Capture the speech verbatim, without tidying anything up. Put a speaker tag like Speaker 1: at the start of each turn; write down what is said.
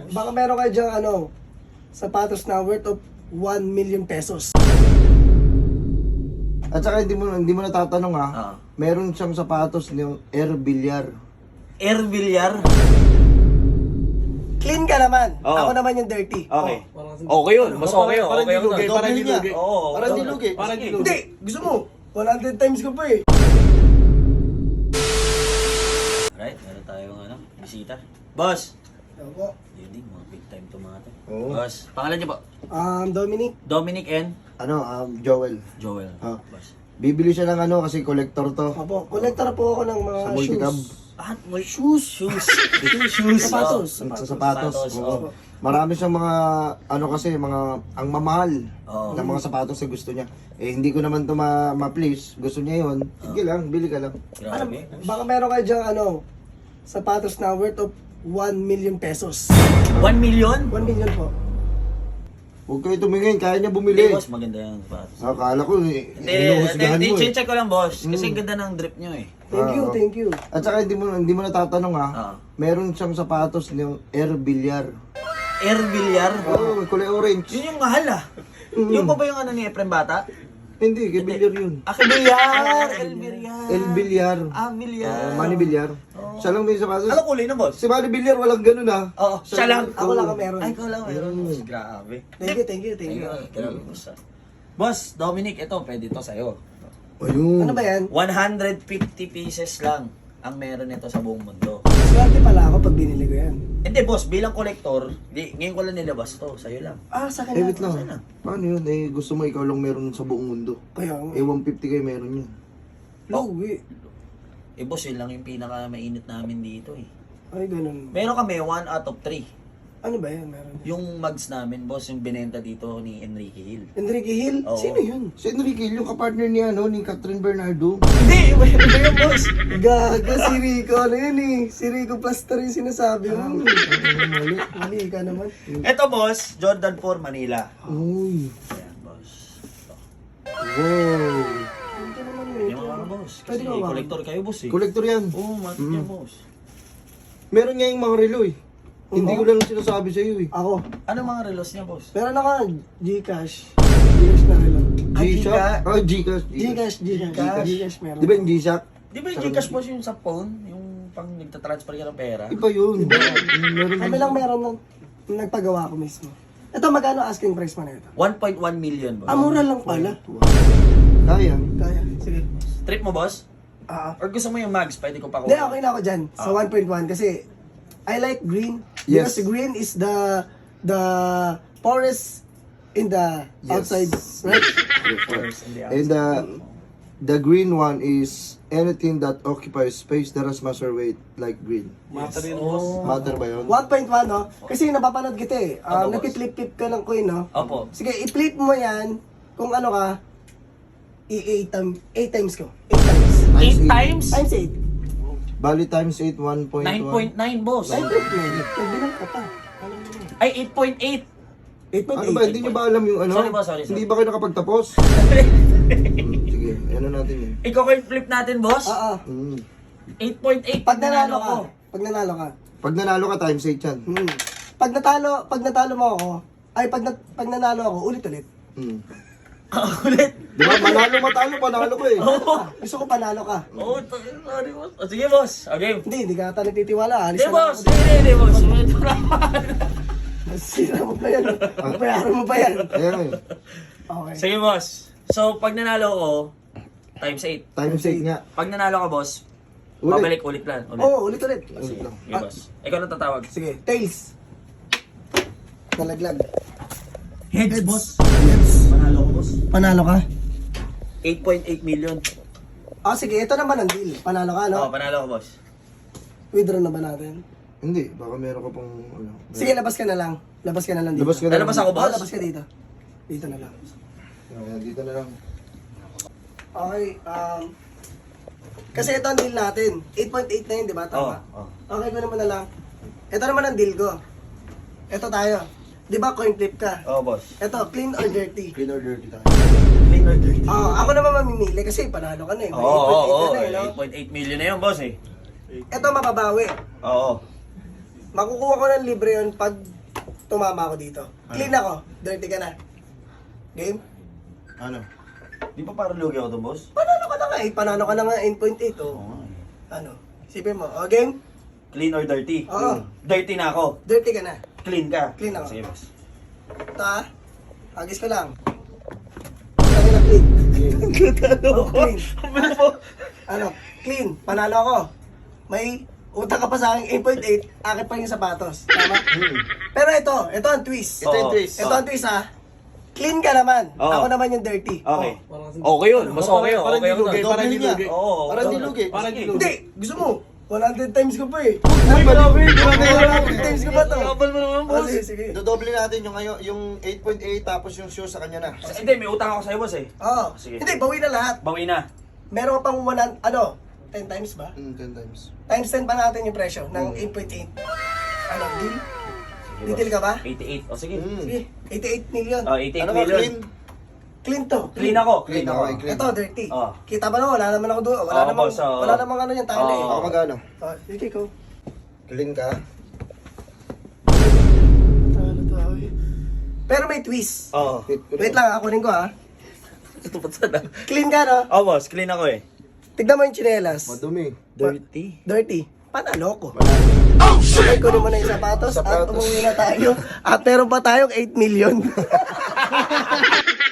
Speaker 1: Baka meron kayo dyan, ano, sapatos na worth of one million pesos.
Speaker 2: At saka hindi mo hindi mo natatanong ha.
Speaker 3: Ah.
Speaker 2: Meron siyang sapatos ng Air Villar.
Speaker 3: Air Villar.
Speaker 1: Clean ka naman.
Speaker 3: Oo.
Speaker 1: Ako naman yung dirty.
Speaker 3: Okay.
Speaker 1: Oh.
Speaker 3: Okay yun. Mas okay yun.
Speaker 2: Parang
Speaker 3: Okay yun.
Speaker 2: dilugay, parang
Speaker 3: Double
Speaker 2: dilugay.
Speaker 3: niya. Oo.
Speaker 2: Parang
Speaker 3: double.
Speaker 2: dilugay.
Speaker 3: Parang
Speaker 2: Sige.
Speaker 3: dilugay.
Speaker 1: Hindi, gusto mo. one hundred times ko pa eh.
Speaker 3: Alright, meron tayong ano, bisita. Boss!
Speaker 1: Ako.
Speaker 3: Yun din, mga big time to mga to.
Speaker 2: Oo.
Speaker 3: Boss, pangalan niyo po?
Speaker 1: Um, Dominic.
Speaker 3: Dominic and
Speaker 2: Ano, um, Joel.
Speaker 3: Joel.
Speaker 2: Ah.
Speaker 3: Boss.
Speaker 2: Bibili siya ng ano kasi collector to.
Speaker 1: Apo, collector po ako ng mga
Speaker 2: Sa
Speaker 1: shoes.
Speaker 2: multicab.
Speaker 3: Ah, may shoes. Shoes. shoes.
Speaker 1: Sapatos.
Speaker 3: Oh.
Speaker 2: Sa sapatos.
Speaker 3: Sapatos,
Speaker 2: Oo.
Speaker 3: oo.
Speaker 2: Marami siyang mga ano kasi mga ang mamahal
Speaker 3: Oo.
Speaker 2: ng mga sapatos na gusto niya. Eh hindi ko naman to ma- ma-please. Gusto niya 'yon. Sige lang, bili ka lang.
Speaker 1: Ano,
Speaker 3: Grabe.
Speaker 1: baka meron kayo dyan, ano, sapatos na worth of one million pesos.
Speaker 3: One million?
Speaker 1: one million po.
Speaker 2: Huwag kayo tumingin, kaya niya
Speaker 3: Hindi,
Speaker 2: bumili.
Speaker 3: boss. Maganda yung sapatos.
Speaker 2: Akala ko eh,
Speaker 3: Hindi,
Speaker 2: inuhusgahan
Speaker 3: hindi,
Speaker 2: mo eh.
Speaker 3: check ko lang, boss. Kasi ganda ng drip nyo eh.
Speaker 1: Thank you,
Speaker 2: Ah,
Speaker 1: thank you.
Speaker 2: At saka hindi mo hindi mo natatanong ha.
Speaker 3: Ah.
Speaker 2: Meron siyang sapatos ng Air Villar.
Speaker 3: Air Villar?
Speaker 2: Oo, oh, kulay orange.
Speaker 3: Yun yung mahal ah. Yung pa ba yung ano ni Efrem Bata?
Speaker 2: Hindi, kay Villar yun.
Speaker 3: Ah, kay Villar! El Villar!
Speaker 2: El Villar.
Speaker 3: Ah, Villar.
Speaker 2: Uh, Manny Villar. Siya lang may sapatos.
Speaker 3: Ano kulay na, boss?
Speaker 2: Si Manny Villar walang ganun ha.
Speaker 3: Oo, siya lang.
Speaker 1: Ako lang ang meron.
Speaker 3: Ay, ikaw lang meron. boss. Grabe.
Speaker 1: Thank you, thank you, thank you.
Speaker 3: Grabe, boss ah. Boss, Dominic, ito, pwede to sa'yo.
Speaker 2: Ayun.
Speaker 1: Ano ba yan?
Speaker 3: one hundred fifty pieces lang ang meron nito sa buong mundo.
Speaker 1: Swerte pala ako pag binili ko yan.
Speaker 3: Hindi, boss, bilang kolektor, di, ngayon ko lang nilabas to, sa'yo lang.
Speaker 1: Ah, sa
Speaker 2: Eh,
Speaker 1: akin
Speaker 2: wait
Speaker 1: lang.
Speaker 2: lang. Paano yun? Eh, gusto mo ikaw lang meron sa buong mundo.
Speaker 1: Kaya,
Speaker 2: Eh, one fifty kayo meron yun.
Speaker 1: luwi.
Speaker 3: Eh, boss, yun lang yung pinaka mainit namin dito eh.
Speaker 1: Ay, ganun.
Speaker 3: Meron kami, one out of three.
Speaker 1: Ano ba yan? Meron.
Speaker 3: Yung mugs namin, boss, yung binenta dito ni Enrique Hill.
Speaker 1: Enrique Hill?
Speaker 3: Oo.
Speaker 1: Sino yun?
Speaker 2: Si Enrique, yung kapartner niya, no, ni Catherine Bernardo.
Speaker 3: Hindi, iba yun, iba yun, boss.
Speaker 1: Gaga, si Rico. Ano yun eh? Si Rico Plaster yung sinasabi mo. Mali. Mali ka naman.
Speaker 3: Ito, boss, Jordan four Manila.
Speaker 2: Uy.
Speaker 3: Ayan, boss. Ito.
Speaker 2: Wow.
Speaker 1: Ito naman
Speaker 3: Yung
Speaker 1: ito.
Speaker 3: mga boss.
Speaker 1: Pwede
Speaker 3: Kasi
Speaker 1: ba ba?
Speaker 3: kolektor kayo, boss eh.
Speaker 2: Collector yan.
Speaker 3: Oo, oh, matik yan, boss.
Speaker 2: Meron niya yung mga relo eh. Hindi ko lang sinasabi sa iyo eh.
Speaker 1: Ako.
Speaker 3: Ano mga relos niya, boss?
Speaker 1: Meron ako Gcash. Gcash na rin lang.
Speaker 3: Ah,
Speaker 2: G-Shock?
Speaker 3: Gcash?
Speaker 2: Ah, Gcash.
Speaker 1: Gcash, Gcash.
Speaker 3: Gcash.
Speaker 1: Gcash meron.
Speaker 2: Di ba yung G-Shock?
Speaker 3: Di ba yung Gcash, boss, yung sa phone? Yung pang nagtatransfer ka ng pera?
Speaker 2: Iba yun. Meron
Speaker 1: Kami lang meron nung nung nagpagawa ko mismo. Ito, magkano asking price mo na ito?
Speaker 3: one point one million, boss.
Speaker 1: Ah, mura lang pala.
Speaker 2: Kaya.
Speaker 1: Kaya, sige.
Speaker 3: Trip mo, boss?
Speaker 1: Ah,
Speaker 3: Or gusto mo yung mags? Pwede ko pa
Speaker 1: hindi, okay na ako dyan. Sa one point one kasi I like green.
Speaker 2: Yes.
Speaker 1: Because green is the the forest in the
Speaker 2: Yes.
Speaker 1: outside, right?
Speaker 2: And uh, the green one is anything that occupies space that has mass or weight like green.
Speaker 3: Matter yun, boss.
Speaker 2: Matter ba yun?
Speaker 1: one point one, no? Kasi napapanood kita eh. Um,
Speaker 3: Opo, boss.
Speaker 1: Nagpiplip-flip ka ng coin, no?
Speaker 3: Opo.
Speaker 1: Sige, i-flip mo yan kung ano ka, i-eight times, eight times ko. eight times.
Speaker 3: eight times?
Speaker 1: Times eight.
Speaker 2: Bali times eight, one point one.
Speaker 3: nine point nine, boss.
Speaker 1: nine point nine. Nagbilang ka pa. Alam mo yun.
Speaker 3: Ay, eight point eight.
Speaker 1: eight point
Speaker 2: Ano
Speaker 1: eight.
Speaker 2: ba? Hindi nyo ba alam yung ano?
Speaker 3: Sorry, boss, sorry, sorry.
Speaker 2: Hindi ba kayo nakapagtapos? Hmm, sige, ano natin yun?
Speaker 3: Ikaw kayo flip natin, boss?
Speaker 1: Oo.
Speaker 2: Hmm.
Speaker 3: eight point eight.
Speaker 1: Pag nanalo ka, pag nanalo ka.
Speaker 2: Pag nanalo ka, times eight yan.
Speaker 1: Hmm. Pag natalo, pag natalo mo ako, ay pag, na, pag nanalo ako, ulit-ulit.
Speaker 2: Hmm.
Speaker 3: Ulit.
Speaker 2: Di ba? Manalo, matalo, panalo ko eh.
Speaker 1: Gusto ko panalo ka.
Speaker 3: Oh, sorry, boss. O, sige, boss. Okay.
Speaker 1: Hindi, hindi ka ata nagtitiwala. Alis
Speaker 3: Hindi,
Speaker 1: na lang
Speaker 3: boss.
Speaker 1: ako.
Speaker 3: Hindi, hindi, boss. Medyo naman.
Speaker 1: Sira mo pa yan. Bayaran mo pa yan.
Speaker 2: Ayan eh.
Speaker 1: Okay.
Speaker 3: Sige, boss. So, pag nanalo ko, times eight.
Speaker 2: Times eight nga.
Speaker 3: Pag nanalo ka, boss,
Speaker 2: Ulit.
Speaker 3: babalik ulit lang. Ulit.
Speaker 1: Oo, ulit-ulit.
Speaker 2: Ulit lang.
Speaker 3: Sige, boss. Ikaw na tatawag.
Speaker 1: Sige, tails. Nalaglag.
Speaker 3: Heads, boss.
Speaker 1: Heads.
Speaker 3: Panalo ko, boss.
Speaker 1: Panalo ka?
Speaker 3: eight point eight million.
Speaker 1: Ah, sige, ito naman ang deal. Panalo ka, no?
Speaker 3: Oo, panalo ko, boss.
Speaker 1: Withdraw na ba natin?
Speaker 2: Hindi, baka meron ka pang ano.
Speaker 1: Sige, labas ka na lang. Labas ka na lang dito.
Speaker 2: Labas ka na.
Speaker 3: Lalabas ako,
Speaker 1: Oo,
Speaker 3: boss?
Speaker 1: labas ka dito. Dito na lang.
Speaker 2: Ayan, dito na lang.
Speaker 1: Okay, um... Kasi ito ang deal natin. eight point eight na yun, di ba? Tama?
Speaker 3: Oo,
Speaker 1: Okay, ko naman na lang. Ito naman ang deal ko. Ito tayo. Di ba coin flip ka?
Speaker 3: Oo, boss.
Speaker 1: Ito, clean or dirty?
Speaker 2: Clean or dirty tayo.
Speaker 3: Clean or dirty?
Speaker 1: Oo, ako naman mamimili kasi panalo ka na eh. May
Speaker 3: Oo, oo, oo.
Speaker 1: eight point eight na eh, no?
Speaker 3: eight point eight million na yun, boss eh.
Speaker 1: Ito mababawi.
Speaker 3: Oo.
Speaker 1: Makukuha ko ng libre yun pag tumama ako dito. Clean ako. Dirty ka na. Game?
Speaker 2: Ano?
Speaker 3: Di ba parang lugi ako to, boss?
Speaker 1: Panalo ka na nga eh. Panalo ka na nga eight point eight oh.
Speaker 3: Oo nga eh.
Speaker 1: Ano? Isipin mo. O, game?
Speaker 3: Clean or dirty?
Speaker 1: Oo.
Speaker 3: Dirty na ako.
Speaker 1: Dirty ka na.
Speaker 3: Clean ka?
Speaker 1: Clean ako.
Speaker 3: Sige, boss.
Speaker 1: Ito ah. Agis ko lang. Sabi na clean. Oh, clean. Ano? Clean. Panalo ako. May utang ka pa sa akin eight point eight. Akit pa yung sapatos. Tama? Pero ito. Ito ang twist.
Speaker 2: Ito yung
Speaker 3: Oo.
Speaker 2: twist.
Speaker 1: Ito ang twist ah. Clean ka naman.
Speaker 3: Oo.
Speaker 1: Ako naman yung dirty.
Speaker 3: Okay.
Speaker 1: Oh.
Speaker 3: Okay yun. Mas okay yun.
Speaker 4: Parang
Speaker 3: Okay yun.
Speaker 4: dilugi,
Speaker 3: na.
Speaker 4: parang dilugi.
Speaker 3: Oo.
Speaker 2: Parang
Speaker 3: okay.
Speaker 2: dilugi.
Speaker 4: Parang
Speaker 3: Sige.
Speaker 4: dilugi.
Speaker 1: Hindi. Gusto mo? one hundred times ko pa eh.
Speaker 2: Ay, grabe!
Speaker 1: one hundred times ko pa to.
Speaker 3: Kapal mo naman,
Speaker 1: Oh,
Speaker 3: boss.
Speaker 1: sige, sige.
Speaker 2: Dodoble natin yung ngayon, yung eight point eight tapos yung shoes sa kanya na.
Speaker 3: Hindi, may utang ako sa'yo, boss eh.
Speaker 1: Oo.
Speaker 3: Sige.
Speaker 1: Hindi, bawi na lahat.
Speaker 3: Bawi na.
Speaker 1: Meron ka pang one, ano, ten times ba?
Speaker 2: Mm, ten times.
Speaker 1: Times ten pa natin yung presyo ng eight point eight. Ano, deal? Detail ka ba?
Speaker 3: eighty-eight. O sige.
Speaker 2: Mm.
Speaker 1: Sige, eighty-eight million.
Speaker 3: Oh, eighty-eight
Speaker 2: Ano ka,
Speaker 3: million.
Speaker 2: clean?
Speaker 1: Clean to.
Speaker 3: Clean ako.
Speaker 2: Clean ako, eh, clean.
Speaker 1: Ito, dirty.
Speaker 3: Oh.
Speaker 1: Kita ba naman? Wala naman ako doon. Wala
Speaker 3: Oo,
Speaker 1: namang,
Speaker 3: boss, oo.
Speaker 1: wala namang ano yung tali.
Speaker 3: Oo.
Speaker 2: Ako magano?
Speaker 1: Oh, sige ko.
Speaker 2: Clean ka?
Speaker 1: Ano to, ay. Pero may twist.
Speaker 3: Oo.
Speaker 1: Wait lang, ako rin ko ha.
Speaker 3: Ito pa sana.
Speaker 1: Clean ka, no?
Speaker 3: Oh, boss. Clean ako eh.
Speaker 1: Tignan mo yung chinelas.
Speaker 2: Madumi.
Speaker 3: Dirty.
Speaker 1: Dirty. Panalo ko. Oh, shit! Kunin mo na yung sapatos, at
Speaker 2: Sapatos.
Speaker 1: umuwi na tayo. At meron pa tayong eight million.